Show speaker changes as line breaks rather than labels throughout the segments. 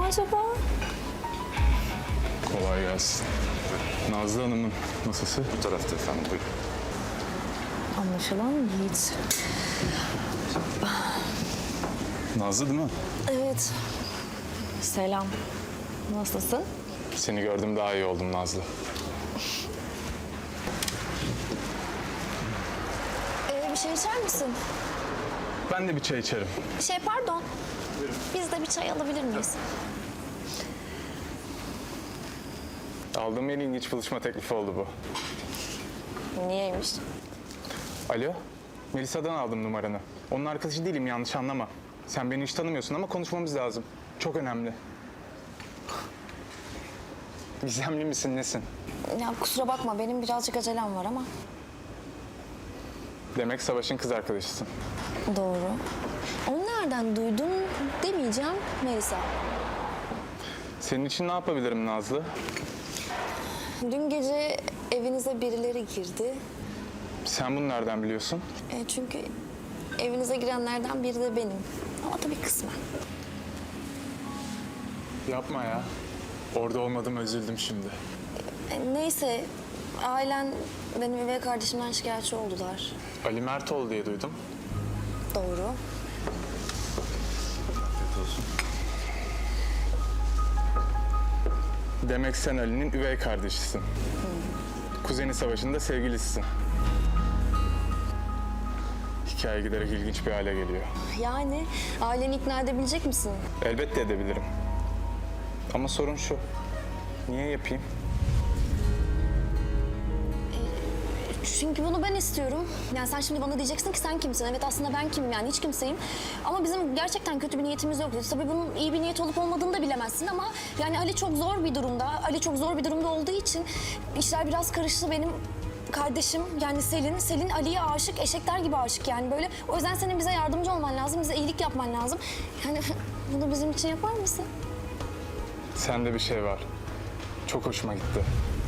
Merhaba.
Kolay gelsin. Nazlı Hanım'ın masası.
Bu tarafta efendim, buyurun.
Anlaşılan Yiğit.
Nazlı değil mi?
Evet. Selam. Nasılsın?
Seni gördüm daha iyi oldum Nazlı.
Bir şey içer misin?
Ben de bir çay içerim.
Pardon. Biz de bir çay alabilir miyiz?
Aldığım en ilginç buluşma teklifi oldu bu.
Niyeymiş?
Alo, Melisa'dan aldım numaranı. Onun arkadaşı değilim, yanlış anlama. Sen beni hiç tanımıyorsun ama konuşmamız lazım. Çok önemli. Gizemli misin, nesin?
Ya kusura bakma, benim birazcık acelem var ama.
Demek Savaş'ın kız arkadaşısın.
Doğru. Onu nereden duydun demeyeceğim Melisa.
Senin için ne yapabilirim Nazlı?
Dün gece evinize birileri girdi.
Sen bunu nereden biliyorsun?
Çünkü evinize girenlerden biri de benim. Ama tabii kısmen.
Yapma ya. Orada olmadığıma üzüldüm şimdi.
Neyse, ailen benim üvey kardeşimden şikayetçi oldular.
Ali Mertoğlu diye duydum.
Doğru.
Demek sen Ali'nin üvey kardeşisin. Kuzeni Savaş'ın da sevgilisisin. Hikaye giderek ilginç bir hale geliyor.
Yani aileni ikna edebilecek misin?
Elbette edebilirim. Ama sorun şu. Niye yapayım?
Çünkü bunu ben istiyorum. Yani sen şimdi bana diyeceksin ki sen kimsin? Evet, aslında ben kimim, yani hiç kimseyim. Ama bizim gerçekten kötü bir niyetimiz yok. Tabii bunun iyi bir niyet olup olmadığını da bilemezsin ama yani Ali çok zor bir durumda. Ali çok zor bir durumda olduğu için işler biraz karıştı. Benim kardeşim yani Selin Ali'ye aşık, eşekler gibi aşık yani böyle. O yüzden senin bize yardımcı olman lazım, bize iyilik yapman lazım. Yani bunu bizim için yapar mısın?
Sende bir şey var. Çok hoşuma gitti.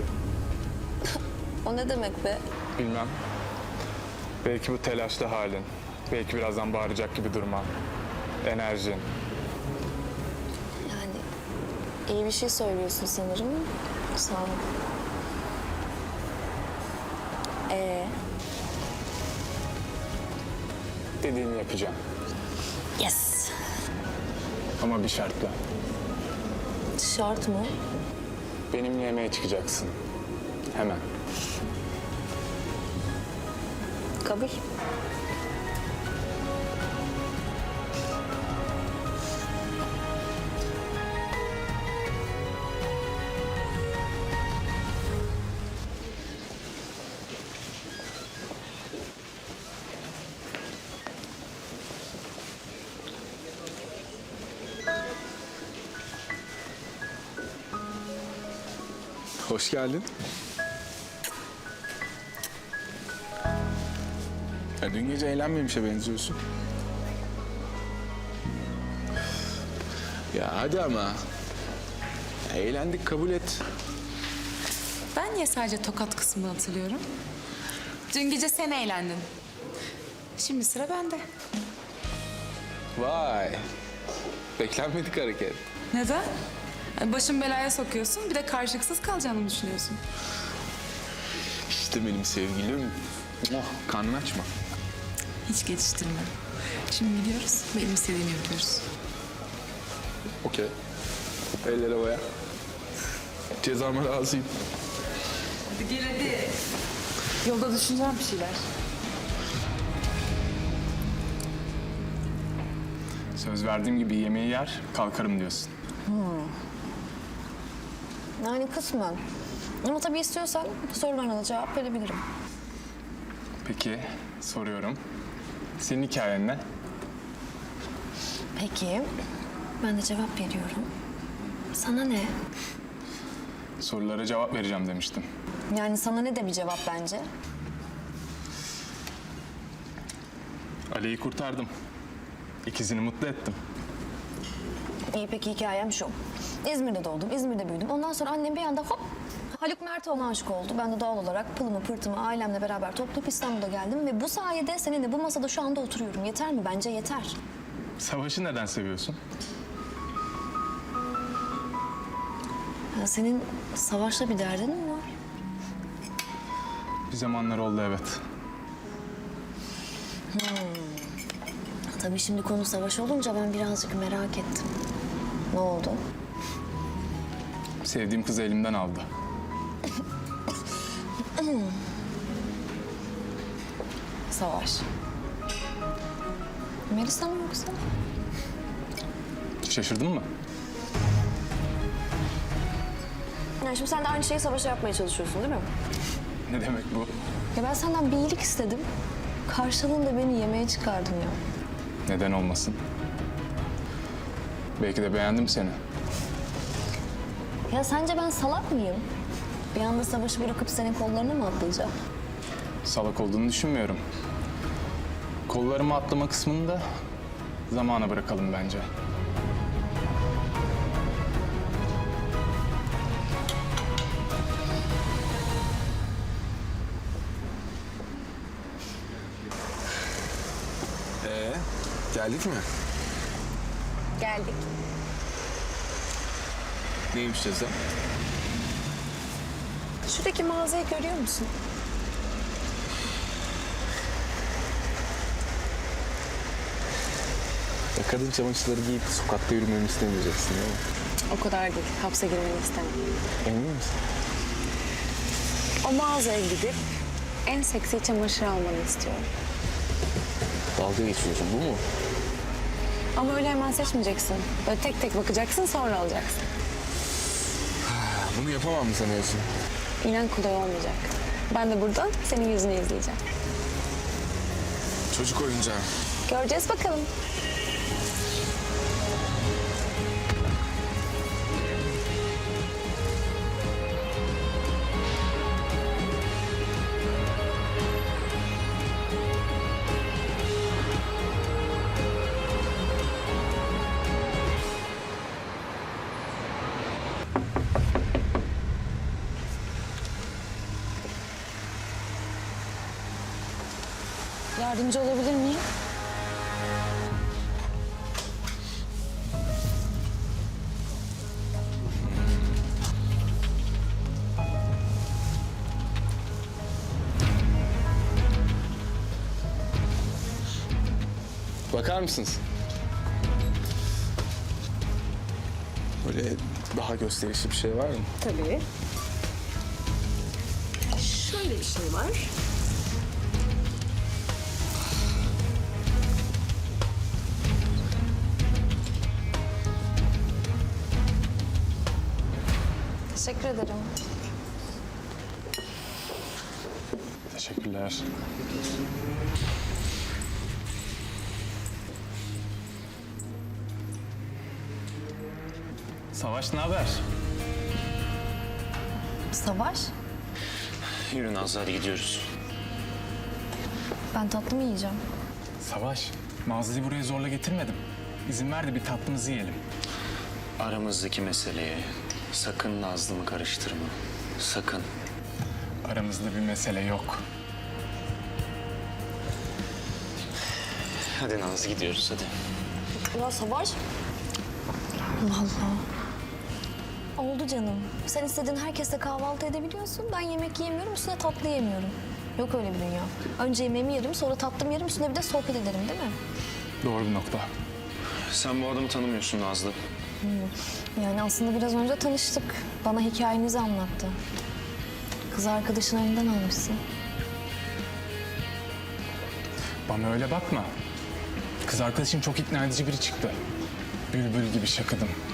O ne demek be?
Bilmem. Belki bu telaşlı halin. Belki birazdan bağıracak gibi durman. Enerjin.
Yani iyi bir şey söylüyorsun sanırım. Sağ ol.
Dediğini yapacağım.
Yes.
Ama bir şartla.
Şart mı?
Benimle yemeğe çıkacaksın. Hemen.
Kabul.
Hoş geldin. Ya dün gece eğlenmemişe benziyorsun. Ya hadi ama. Ya eğlendik, kabul et.
Ben niye sadece tokat kısmını hatırlıyorum? Dün gece sen eğlendin. Şimdi sıra bende.
Vay. Beklenmedik hareket.
Neden? Yani başım belaya sokuyorsun, bir de karşılıksız kalacağını düşünüyorsun.
İşte benim sevgilim. Oh, karnını açma.
Hiç geçiştirme. Şimdi gidiyoruz, benim istediğimi yapıyoruz.
Okey. Ellere boya. Cezama razıyım.
Hadi gel hadi. Yolda düşüneceğim bir şeyler.
Söz verdiğim gibi yemeği yer, kalkarım diyorsun.
Yani kısmen. Ama tabii istiyorsan sorularına da cevap verebilirim.
Peki, soruyorum. Senin hikayen ne?
Peki, ben de cevap veriyorum. Sana ne?
Sorulara cevap vereceğim demiştim.
Yani sana ne de bir cevap bence.
Ali'yi kurtardım. İkizini mutlu ettim.
İyi, peki hikayem şu. İzmir'de doğdum, İzmir'de büyüdüm. Ondan sonra annem bir anda hop Haluk Mertoğlu'na aşık oldu. Ben de doğal olarak pılımı pırtımı ailemle beraber toplayıp İstanbul'a geldim. Ve bu sayede seninle bu masada şu anda oturuyorum. Yeter mi? Bence yeter.
Savaşı neden seviyorsun?
Ya senin Savaş'la bir derdin mi var?
Bir zamanlar oldu, evet.
Tabii şimdi konu Savaş olunca ben birazcık merak ettim. Ne oldu?
Sevdiğim kızı elimden aldı.
Savaş. Melisa mı yoksa?
Şaşırdın mı?
Yani şimdi sen de aynı şeyi Savaş'a yapmaya çalışıyorsun değil mi?
Ne demek bu?
Ya ben senden bir iyilik istedim. Karşılığında beni yemeğe çıkardın ya.
Neden olmasın? Belki de beğendim seni.
Ya sence ben salak mıyım? Bir anda Savaş'ı bırakıp senin kollarına mı atlayacağım?
Salak olduğunu düşünmüyorum. Kollarımı atlama kısmını da zamana bırakalım bence.
Geldik mi?
Geldik.
Neymiş ceza?
Şuradaki mağazayı görüyor musun?
Ya kadın çamaşırları giyip sokakta yürümemi istemeyeceksin değil mi?
O kadar değil. Hapse girmeni istemem.
Emin misin?
O mağazaya gidip en seksi çamaşır almanı istiyorum.
Dalga geçiyorsun, bu mu?
Ama öyle hemen seçmeyeceksin. Böyle tek tek bakacaksın, sonra alacaksın.
Bunu yapamam mı sanıyorsun?
İnan kolay olmayacak. Ben de buradan senin yüzünü izleyeceğim.
Çocuk oyuncağı.
Göreceğiz bakalım. Yardımcı olabilir miyim?
Bakar mısınız? Böyle daha gösterişli bir şey var mı?
Tabii. Şöyle bir şey var.
Teşekkür ederim.
Teşekkürler. Savaş, ne haber?
Savaş,
Yürü Nazlı, hadi gidiyoruz.
ben tatlı mı yiyeceğim?
Savaş, mağazayı buraya zorla getirmedim. İzin ver de bir tatlımızı yiyelim.
Aramızdaki meseleye sakın Nazlı'mı karıştırma. Sakın.
Aramızda bir mesele yok.
Hadi Nazlı, gidiyoruz hadi.
Ya Savaş. Allah Allah. Oldu canım. Sen istediğin herkesle kahvaltı edebiliyorsun. Ben yemek yemiyorum, üstüne tatlı yemiyorum. Yok öyle bir dünya. Önce yemeğimi yerim, sonra tatlımı yerim, üstüne bir de sohbet ederim değil mi?
Doğru bir nokta.
Sen bu adamı tanımıyorsun Nazlı.
Yani aslında biraz önce tanıştık. Bana hikayenizi anlattı. Kız arkadaşın elinden almışsın.
Bana öyle bakma. Kız arkadaşım çok ikna edici biri çıktı. Bülbül gibi şakıdım.